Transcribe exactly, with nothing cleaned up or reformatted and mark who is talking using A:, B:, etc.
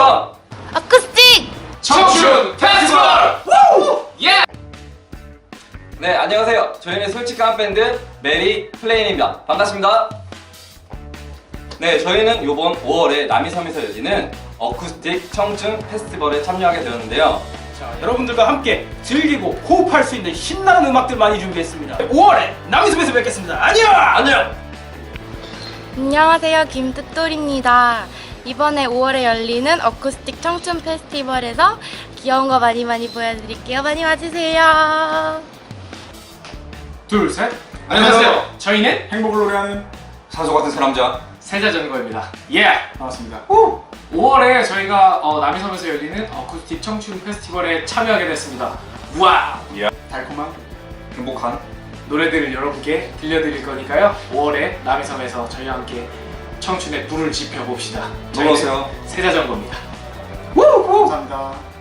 A: 남이섬
B: 어쿠스틱
A: 청춘 페스티벌! 예! 네, 안녕하세요. 저희는 솔직한 밴드 메리 플레인입니다. 반갑습니다. 네, 저희는 이번 오월에 남이섬에서 열리는 어쿠스틱 청춘 페스티벌에 참여하게 되었는데요.
C: 자, 여러분들과 함께 즐기고 호흡할 수 있는 신나는 음악들 많이 준비했습니다. 오월에 남이섬에서 뵙겠습니다. 안녕!
A: 안녕!
B: 안녕하세요, 김뜻돌입니다. 이번에 오월에 열리는 어쿠스틱 청춘 페스티벌에서 귀여운 거 많이 많이 보여드릴게요. 많이 와주세요.
C: 둘, 셋.
A: 안녕하세요.
C: 저희는 행복을 노래하는
A: 산소 같은 사람자
D: 세자전거입니다.
C: 예! 반갑습니다.
D: 오월에 저희가 어, 남이섬에서 열리는 어쿠스틱 청춘 페스티벌에 참여하게 됐습니다. 우와!
C: 달콤한
A: 행복한
D: 노래들을 여러분께 들려드릴 거니까요. 오월에 남이섬에서 저희와 함께 청춘의 불을 지펴봅시다.
A: 놀러오세요.
D: 세자전거입니다.
C: 감사합니다.